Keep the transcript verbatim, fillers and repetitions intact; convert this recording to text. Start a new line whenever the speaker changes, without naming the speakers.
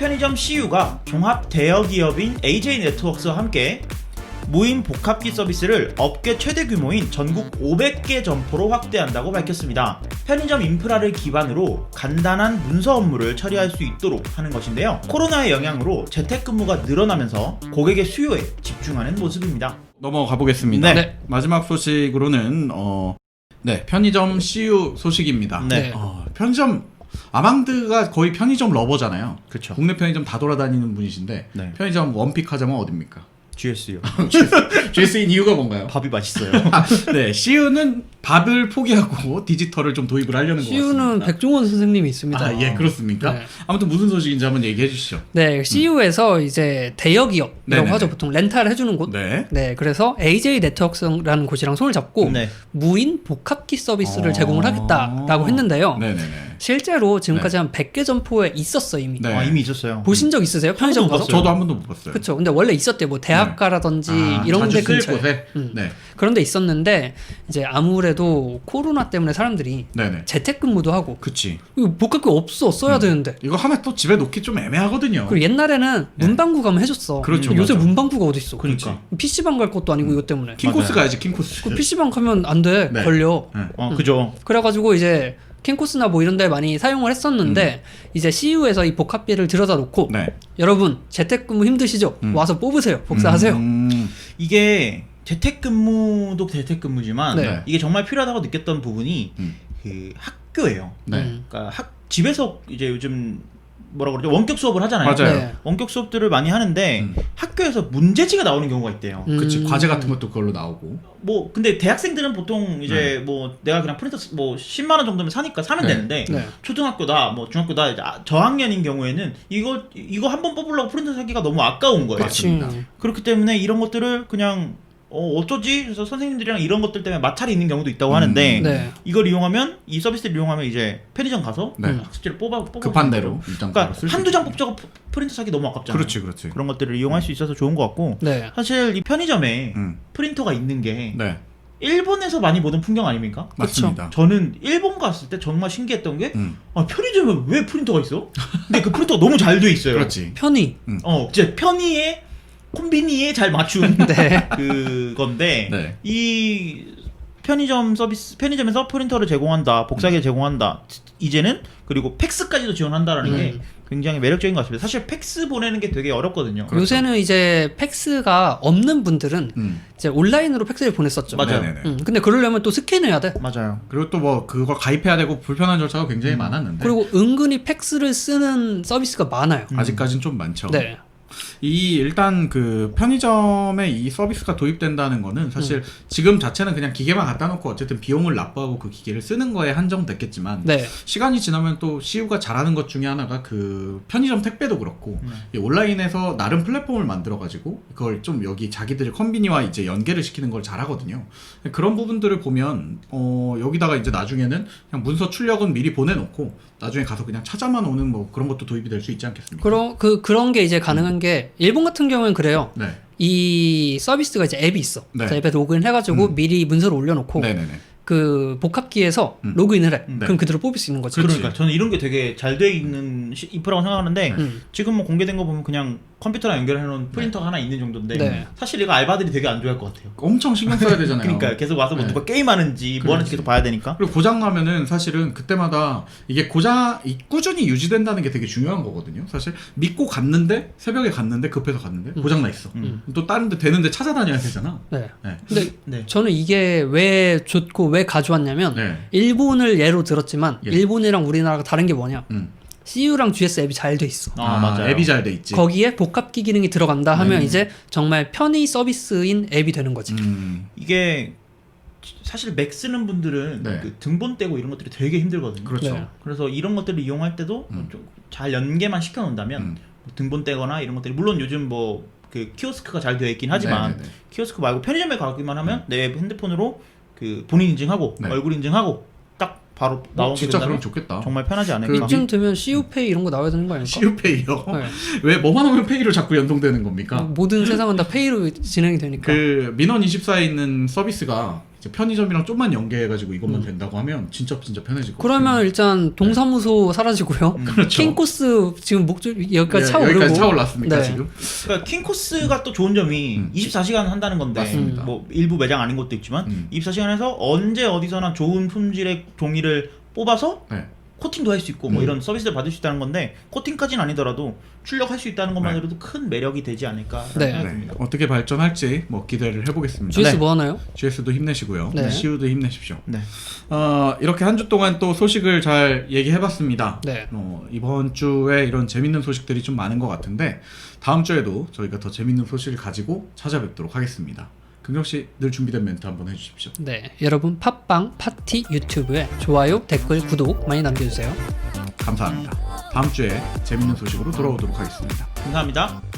편의점 씨유가 종합 대여기업인 에이제이네트웍스와 함께 무인 복합기 서비스를 업계 최대 규모인 전국 오백 개 점포로 확대한다고 밝혔습니다. 편의점 인프라를 기반으로 간단한 문서 업무를 처리할 수 있도록 하는 것인데요. 코로나의 영향으로 재택근무가 늘어나면서 고객의 수요에 집중하는 모습입니다.
넘어가 보겠습니다.
네.
마지막 소식으로는 어, 네 편의점 씨유 소식입니다.
네.
어, 편의점 아망드가 거의 편의점 러버잖아요.
그렇죠.
국내 편의점 다 돌아다니는 분이신데
네.
편의점 원픽 하자면 어딥니까?
지에스요.
지에스인 이유가 뭔가요?
밥이 맛있어요.
네, 씨유는 밥을 포기하고 디지털을 좀 도입을 하려는 것 같습니다.
씨유는 백종원 선생님이 있습니다.
아, 예, 그렇습니까?
네.
아무튼 무슨 소식인지 한번 얘기해 주시죠.
네, 씨유에서 음. 이제 대여기업이라고
네네네.
하죠. 보통 렌탈을 해주는 곳.
네.
네, 그래서 에이제이네트웍스라는 곳이랑 손을 잡고
네.
무인 복합기 서비스를
아~
제공을 하겠다라고 했는데요.
네네네.
실제로 지금까지
네.
한 백 개 점포에 있었어 이미.
네.
아, 이미 있었어요.
보신 적 있으세요? 편의점 가서?
저도 한 번도 못 봤어요.
그렇죠. 근데 원래 있었대요. 뭐 대학가라든지
아,
이런 데
자주 쓸
근처에.
곳에?
음.
네.
그런 데 있었는데 이제 아무래도 코로나 때문에 사람들이
네네.
재택근무도 하고
그치.
이거 복합기 없어 써야
음.
되는데.
이거 하나 또 집에 놓기 좀 애매하거든요.
그리고 옛날에는
네.
문방구 가면 해줬어.
그렇죠,
요새
맞아.
문방구가 어디 있어?
그러니까.
피시방 갈 것도 아니고 이것 때문에.
킹코스
맞아요.
가야지 킹코스.
그 피시방 가면 안 돼.
네.
걸려.
네.
어, 그죠.
그래가지고 이제 킹코스나 뭐 이런 데 많이 사용을 했었는데 이제 씨유에서 이 복합비를 들여다 놓고
네.
여러분 재택근무 힘드시죠?
음.
와서 뽑으세요. 복사하세요.
음.
이게 재택근무도 재택근무지만
네.
이게 정말 필요하다고 느꼈던 부분이
음.
그 학교예요.
네.
음.
그러니까 학 집에서 이제 요즘 뭐라 그러죠? 원격 수업을 하잖아요.
맞아요.
네.
원격 수업들을 많이 하는데
음.
학교에서 문제지가 나오는 경우가 있대요.
음.
그치. 과제 같은 것도 그걸로 나오고.
뭐 근데 대학생들은 보통 이제
네.
뭐 내가 그냥 프린터 쓰- 뭐 십만 원 정도면 사니까 사면
네.
되는데
네.
초등학교다 뭐 중학교다 이제 아- 저학년인 경우에는 이거 이거 한 번 뽑으려고 프린터 사기가 너무 아까운 거예요.
그치.
음.
맞습니다.
그렇기 때문에 이런 것들을 그냥 어, 어쩌지? 그래서 선생님들이랑 이런 것들 때문에 마찰이 있는 경우도 있다고
음.
하는데
네.
이걸 이용하면 이 서비스를 이용하면 이제 편의점 가서
네.
학습지를 뽑아 뽑아
급한 대로 일단
그러니까
쓸수
한두 장
있게.
뽑자고 프- 프린터 사기 너무 아깝잖아요.
그렇지, 그렇지.
그런 것들을 이용할 수 있어서 좋은 것 같고
네.
사실 이 편의점에
음.
프린터가 있는 게
네.
일본에서 많이 보던 풍경 아닙니까?
맞습니다.
저는 일본 갔을 때 정말 신기했던 게
음.
아, 편의점에 왜 프린터가 있어? 근데 그 프린터가 너무 잘 돼 있어요.
그렇지.
편의.
어, 진짜 편의에 콤비니에 잘 맞춘
네.
그 건데
네.
이 편의점 서비스 편의점에서 프린터를 제공한다, 복사기
음.
제공한다. 이제는 그리고 팩스까지도 지원한다라는
음.
게 굉장히 매력적인 것 같습니다. 사실 팩스 보내는 게 되게 어렵거든요.
그렇죠.
요새는 이제 팩스가 없는 분들은
음.
이제 온라인으로 팩스를 보냈었죠.
맞아요.
네네네.
음, 근데 그러려면 또 스캔해야 돼.
맞아요.
그리고 또 뭐 그걸 가입해야 되고 불편한 절차가 굉장히 많았는데
그리고 은근히 팩스를 쓰는 서비스가 많아요.
음.
아직까지는 좀 많죠.
네.
이 일단 그 편의점에 이 서비스가 도입된다는 거는 사실
음.
지금 자체는 그냥 기계만 갖다 놓고 어쨌든 비용을 납부하고 그 기계를 쓰는 거에 한정됐겠지만
네.
시간이 지나면 또 씨유가 잘하는 것 중에 하나가 그 편의점 택배도 그렇고
음.
이 온라인에서 나름 플랫폼을 만들어 가지고 그걸 좀 여기 자기들 컨비니와 이제 연계를 시키는 걸 잘하거든요. 그런 부분들을 보면 어 여기다가 이제 나중에는 그냥 문서 출력은 미리 보내놓고 나중에 가서 그냥 찾아만 오는 뭐 그런 것도 도입이 될 수 있지 않겠습니까?
그런 그 그런 게 이제 가능한 게 일본 같은 경우는 그래요.
네.
이 서비스가 이제 앱이 있어.
네.
그 앱에 로그인 해가지고
음.
미리 문서를 올려놓고
네네네.
그 복합기에서
음.
로그인을 해.
음.
그럼 그대로 뽑을 수 있는 거지.
그렇지.
그러니까 저는 이런 게 되게 잘 돼 있는 시- 인프라고 생각하는데
음.
지금 뭐 공개된 거 보면 그냥 컴퓨터랑 연결해 놓은 프린터가 하나 있는 정도인데
네.
사실 이거 알바들이 되게 안 좋아할 것 같아요.
엄청 신경 써야 되잖아요.
그러니까 계속 와서 뭐
네.
누가 게임하는지 뭐 하는지
그렇지.
계속 봐야 되니까.
그리고 고장 나면은 사실은 그때마다 이게 고장 이 꾸준히 유지된다는 게 되게 중요한 거거든요. 사실 믿고 갔는데 새벽에 갔는데 급해서 갔는데
음.
고장 나 있어.
음.
또 다른 데 되는데 찾아다녀야 되잖아.
네.
네.
근데
네.
저는 이게 왜 좋고 왜 가져왔냐면
네.
일본을 예로 들었지만
예.
일본이랑 우리나라가 다른 게 뭐냐?
음.
씨유랑 지에스 앱이 잘 돼 있어.
아, 맞아요.
앱이 잘 돼 있지.
거기에 복합기 기능이 들어간다 하면
네.
이제 정말 편의 서비스인 앱이 되는 거지.
음.
이게 사실 맥 쓰는 분들은
네.
그 등본 떼고 이런 것들이 되게 힘들거든요.
그렇죠.
네.
그래서 이런 것들을 이용할 때도
음.
좀 잘 연계만 시켜 놓는다면
음.
뭐 등본 떼거나 이런 것들이 물론 요즘 뭐 그 키오스크가 잘 되어 있긴 하지만
네네네.
키오스크 말고 편의점에 가기만 하면 내 핸드폰으로 그 본인 인증하고
네.
얼굴 인증하고 딱 바로
어,
나오게
진짜
된다면
그럼 좋겠다.
정말 편하지 않을까.
이쯤 되면 씨유페이 이런 거 나와야 되는 거 아닐까?
씨유페이요?
네.
왜 뭐만 하면 페이로 자꾸 연동되는 겁니까?
모든 세상은 다 페이로 진행이 되니까.
그 민원 이십사에 있는 서비스가 이제 편의점이랑 좀만 연계해가지고 이것만 된다고 하면 진짜 진짜 편해질 것
그러면
같아요.
일단 동사무소 사라지고요.
음.
그렇죠.
킹코스 지금 목줄 여기까지
예,
차오르고.
여기까지 차올랐습니까
네.
지금?
그러니까 킹코스가 또 좋은 점이
음.
이십사 시간 한다는 건데
맞습니다.
뭐 일부 매장 아닌 것도 있지만
음.
이십사 시간에서 언제 어디서나 좋은 품질의 종이를 뽑아서
네.
코팅도 할 수 있고 뭐
음.
이런 서비스를 받을 수 있다는 건데 코팅까지는 아니더라도 출력할 수 있다는 것만으로도 큰 매력이 되지 않을까
네.
생각이
네.
듭니다.
어떻게 발전할지 뭐 기대를 해보겠습니다.
지에스
네.
뭐 하나요?
지에스도 힘내시고요.
네.
씨유도 힘내십시오.
네.
어, 이렇게 한 주 동안 또 소식을 잘 얘기해봤습니다.
네.
어, 이번 주에 이런 재밌는 소식들이 좀 많은 것 같은데 다음 주에도 저희가 더 재밌는 소식을 가지고 찾아뵙도록 하겠습니다. 긍정 씨 늘 준비된 멘트 한번 해주십시오.
네. 여러분 팟빵 파티 유튜브에 좋아요, 댓글, 구독 많이 남겨주세요.
감사합니다. 다음 주에 재밌는 소식으로 돌아오도록 하겠습니다.
감사합니다.